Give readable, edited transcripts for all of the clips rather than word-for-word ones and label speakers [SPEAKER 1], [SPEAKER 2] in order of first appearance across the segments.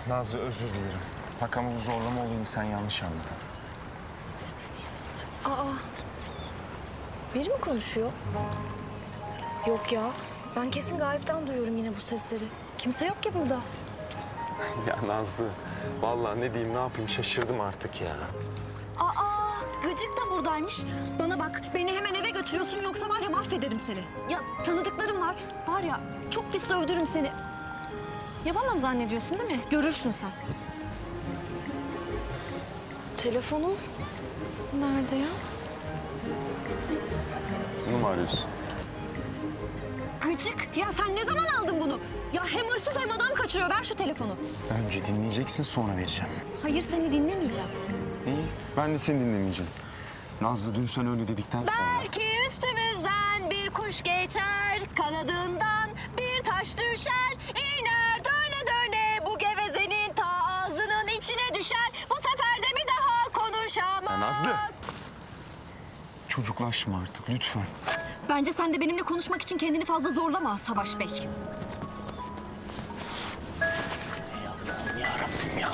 [SPEAKER 1] Nazlı özür dilerim. Bak ama bu zorlama olayını sen yanlış anladın.
[SPEAKER 2] Aa, biri mi konuşuyor? Yok ya, ben kesin gayipten duyuyorum yine bu sesleri. Kimse yok ki burada.
[SPEAKER 1] Ya Nazlı, vallahi ne diyeyim ne yapayım şaşırdım artık ya.
[SPEAKER 2] Aa, Gıcık da buradaymış. Bana bak, beni hemen eve götürüyorsun yoksa var ya mahvederim seni. Ya tanıdıklarım var, var ya çok pis dövdürürüm seni. Yapamam zannediyorsun değil mi? Görürsün sen. Telefonum nerede ya?
[SPEAKER 1] Bunu mu arıyorsun?
[SPEAKER 2] Gıcık, ya sen ne zaman aldın bunu? Ya hem hırsız hem adam kaçırıyor. Ver şu telefonu.
[SPEAKER 1] Önce dinleyeceksin sonra vereceğim.
[SPEAKER 2] Hayır, seni dinlemeyeceğim.
[SPEAKER 1] İyi, ben de seni dinlemeyeceğim. Nazlı dün sen öyle dedikten sonra...
[SPEAKER 2] Belki üstümüzden bir kuş geçer, kanadından bir taş düşer, iner döne döne bu gevezenin ta ağzının içine düşer. Bu sefer de bir daha konuşamaz.
[SPEAKER 1] Ya Nazlı! Çocuklaşma artık lütfen.
[SPEAKER 2] Bence sen de benimle konuşmak için kendini fazla zorlama Savaş Bey.
[SPEAKER 1] Allah'ım yarabbim ya.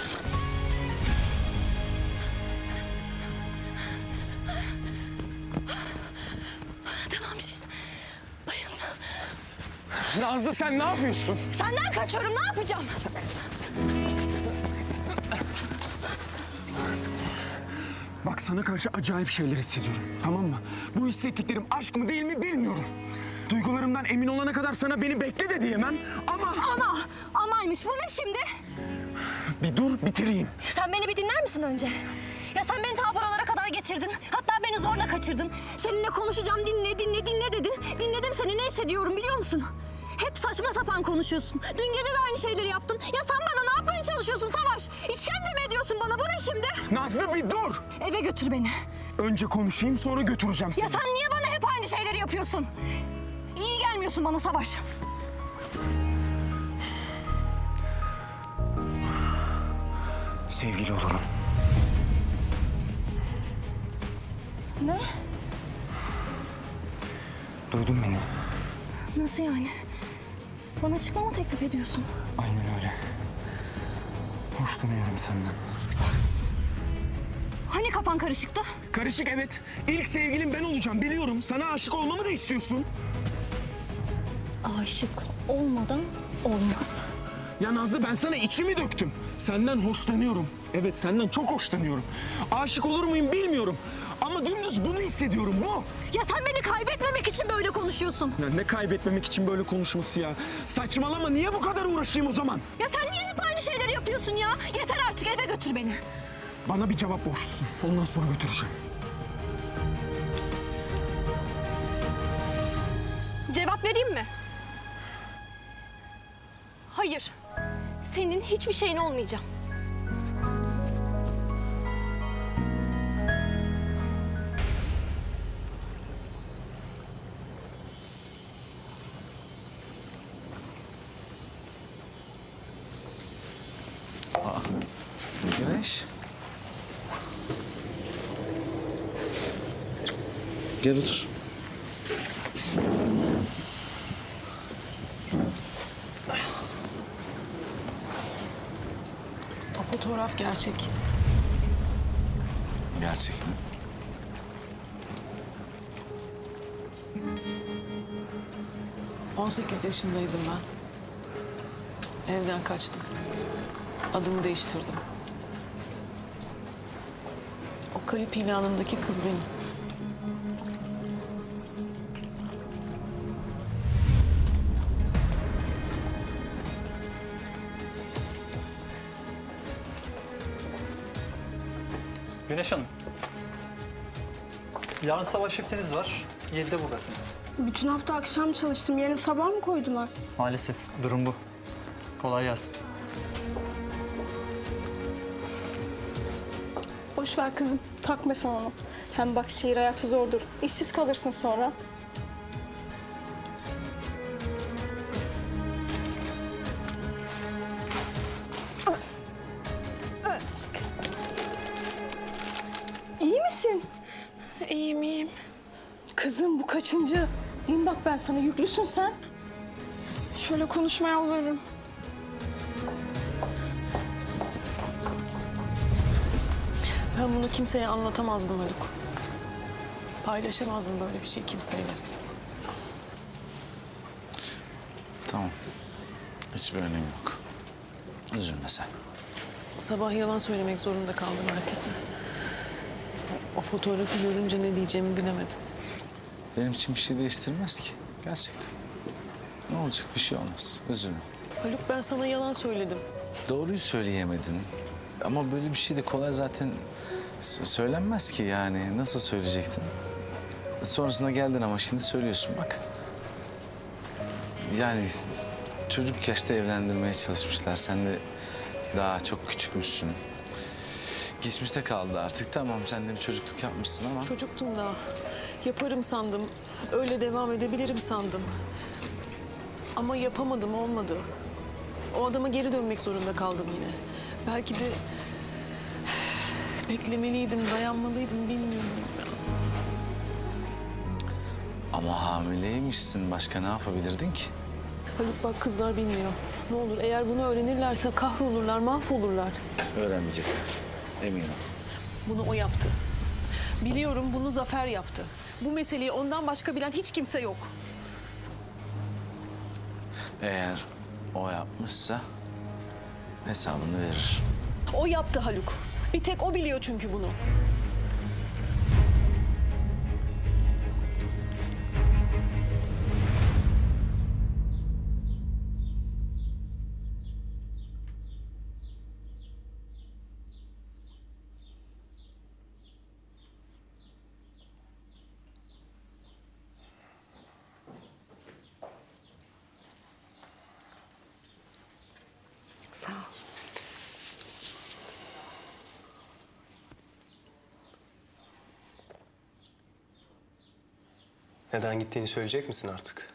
[SPEAKER 2] Tamam işte, bayılacağım.
[SPEAKER 1] Nazlı sen ne yapıyorsun?
[SPEAKER 2] Senden kaçıyorum, ne yapacağım?
[SPEAKER 1] Bak sana karşı acayip şeyler hissediyorum, tamam mı? Bu hissettiklerim aşk mı değil mi bilmiyorum. Duygularımdan emin olana kadar sana beni bekle de diyemem ama...
[SPEAKER 2] Amaymış, bu ne şimdi?
[SPEAKER 1] Bir dur bitireyim.
[SPEAKER 2] Sen beni bir dinler misin önce? Ya sen beni ta buralara kadar getirdin. Hatta beni zorla kaçırdın. Seninle konuşacağım, dinle dedin. Dinledim seni, ne hissediyorum biliyor musun? Hep saçma sapan konuşuyorsun. Dün gece de aynı şeyleri yaptın. Ya sen bana ne yapmaya çalışıyorsun Savaş? İşkence mi ediyorsun bana? Bu ne şimdi?
[SPEAKER 1] Nazlı bir dur.
[SPEAKER 2] Eve götür beni.
[SPEAKER 1] Önce konuşayım sonra götüreceğim seni.
[SPEAKER 2] Ya sen niye bana hep aynı şeyleri yapıyorsun? İyi gelmiyorsun bana Savaş.
[SPEAKER 1] Sevgili olurum.
[SPEAKER 2] Ne?
[SPEAKER 1] Duydun beni.
[SPEAKER 2] Nasıl yani? Bana çıkma mı teklif ediyorsun?
[SPEAKER 1] Aynen öyle. Hoşlanıyorum senden.
[SPEAKER 2] Hani kafan karışıktı?
[SPEAKER 1] Karışık evet. İlk sevgilim ben olacağım biliyorum. Sana aşık olmamı da istiyorsun.
[SPEAKER 2] Aşık olmadan olmaz.
[SPEAKER 1] Ya Nazlı ben sana içimi döktüm. Senden hoşlanıyorum. Evet senden çok hoşlanıyorum. Aşık olur muyum bilmiyorum. Ama dümdüz bunu hissediyorum bu.
[SPEAKER 2] Ya sen beni kaybetmemek için böyle konuşuyorsun.
[SPEAKER 1] Ya ne kaybetmemek için böyle konuşması ya. Saçmalama niye bu kadar uğraşayım o zaman?
[SPEAKER 2] Ya sen niye hep aynı şeyleri yapıyorsun ya? Yeter artık, eve götür beni.
[SPEAKER 1] Bana bir cevap borçlusun. Ondan sonra götüreceğim.
[SPEAKER 2] Cevap vereyim mi? Hayır. Senin hiçbir şeyin olmayacağım.
[SPEAKER 1] Güneş. Gel otur.
[SPEAKER 3] O fotoğraf gerçek.
[SPEAKER 1] Gerçek mi?
[SPEAKER 3] ...18 yaşındaydım ben. Evden kaçtım. Adımı değiştirdim. O kayıp ilanındaki kız benim.
[SPEAKER 4] Güneş Hanım. Yarın sabah shiftiniz var. 7'de buradasınız.
[SPEAKER 5] Bütün hafta akşam çalıştım. Yarın sabah mı koydular?
[SPEAKER 4] Maalesef durum bu. Kolay gelsin.
[SPEAKER 5] Boş ver kızım. Takma sen onu. Hem bak şehir hayatı zordur. İşsiz kalırsın sonra. İyi misin?
[SPEAKER 6] İyiyim, iyiyim.
[SPEAKER 5] Kızım bu kaçıncı? Diyeyim bak ben sana, yüklüsün sen.
[SPEAKER 6] Şöyle konuşmaya yalvarırım.
[SPEAKER 3] Ben bunu kimseye anlatamazdım Haluk. Paylaşamazdım böyle bir şey kimseyle.
[SPEAKER 6] Tamam. Hiçbir önemi yok. Üzülme sen.
[SPEAKER 3] Sabah yalan söylemek zorunda kaldım herkese. O fotoğrafı görünce ne diyeceğimi bilemedim.
[SPEAKER 6] Benim için bir şey değiştirmez ki. Gerçekten. Ne olacak? Bir şey olmaz. Üzülme.
[SPEAKER 3] Haluk ben sana yalan söyledim.
[SPEAKER 6] Doğruyu söyleyemedin. Ama böyle bir şey de kolay zaten söylenmez ki yani. Nasıl söyleyecektin? Sonrasında geldin ama şimdi söylüyorsun bak. Yani çocuk yaşta evlendirmeye çalışmışlar. Sen de daha çok küçükmüşsün. Geçmişte kaldı artık. Tamam sen de bir çocukluk yapmışsın ama...
[SPEAKER 3] Çocuktum daha. Yaparım sandım. Öyle devam edebilirim sandım. Ama yapamadım, olmadı. O adama geri dönmek zorunda kaldım yine. Belki de beklemeliydim, dayanmalıydım bilmiyorum.
[SPEAKER 6] Ama hamileymişsin. Başka ne yapabilirdin ki?
[SPEAKER 3] Haluk bak kızlar bilmiyor. Ne olur eğer bunu öğrenirlerse kahrolurlar, mahvolurlar.
[SPEAKER 6] Öğrenmeyecekler. Eminim.
[SPEAKER 3] Bunu o yaptı. Biliyorum bunu Zafer yaptı. Bu meseleyi ondan başka bilen hiç kimse yok.
[SPEAKER 6] Eğer o yapmışsa hesabını verir.
[SPEAKER 3] O yaptı Haluk. Bir tek o biliyor çünkü bunu.
[SPEAKER 2] Sağ ol.
[SPEAKER 7] Neden gittiğini söyleyecek misin artık?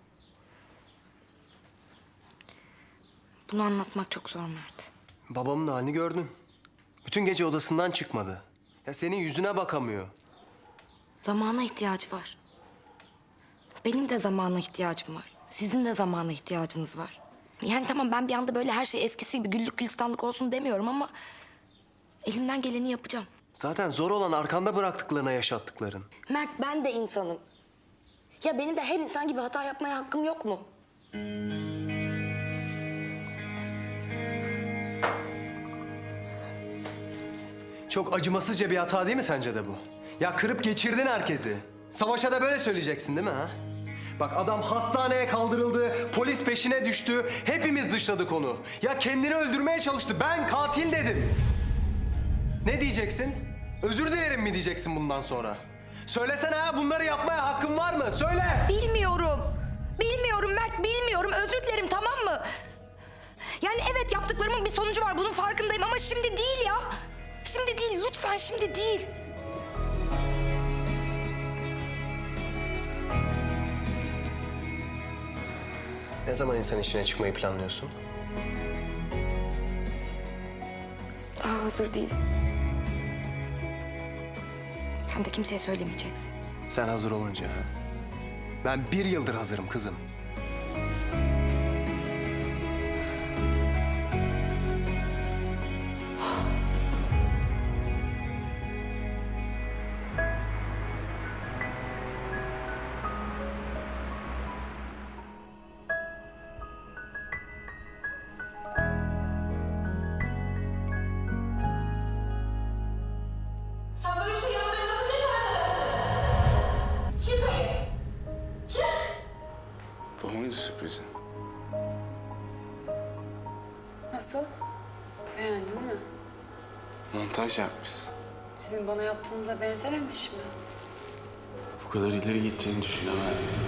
[SPEAKER 2] Bunu anlatmak çok zor Mert.
[SPEAKER 7] Babamın halini gördün. Bütün gece odasından çıkmadı. Ya senin yüzüne bakamıyor.
[SPEAKER 2] Zamana ihtiyacı var. Benim de zamana ihtiyacım var. Sizin de zamana ihtiyacınız var. Yani tamam ben bir anda böyle her şey eskisi gibi güllük gülistanlık olsun demiyorum ama... elimden geleni yapacağım.
[SPEAKER 7] Zaten zor olan arkanda bıraktıklarına yaşattıkların.
[SPEAKER 2] Mert ben de insanım. Ya benim de her insan gibi hata yapmaya hakkım yok mu?
[SPEAKER 7] Çok acımasızca bir hata değil mi sence de bu? Ya kırıp geçirdin herkesi. Savaş'a da böyle söyleyeceksin değil mi ha? Bak adam hastaneye kaldırıldı, polis peşine düştü. Hepimiz dışladık onu. Ya kendini öldürmeye çalıştı. Ben katil dedim. Ne diyeceksin? Özür dilerim mi diyeceksin bundan sonra? Söylesene ha bunları yapmaya hakkın var mı? Söyle!
[SPEAKER 2] Bilmiyorum. Bilmiyorum Mert, bilmiyorum. Özür dilerim tamam mı? Yani evet yaptıklarımın bir sonucu var. Bunun farkındayım ama şimdi değil ya. Şimdi değil, lütfen şimdi değil.
[SPEAKER 7] Ne zaman insan işine çıkmayı planlıyorsun?
[SPEAKER 2] Daha hazır değilim. Sen de kimseye söylemeyeceksin.
[SPEAKER 7] Sen hazır olunca ha? Ben 1 yıldır hazırım kızım.
[SPEAKER 8] Sen böyle bir şey yapmaya nasıl cesaret edersin? Çık hayır. Çık.
[SPEAKER 9] Bu muydu sürprizin?
[SPEAKER 10] Nasıl? Beğendin mi?
[SPEAKER 9] Montaj yapmışsın.
[SPEAKER 10] Sizin bana yaptığınıza benzememiş mi?
[SPEAKER 9] Bu kadar ileri gideceğini düşünemezdim.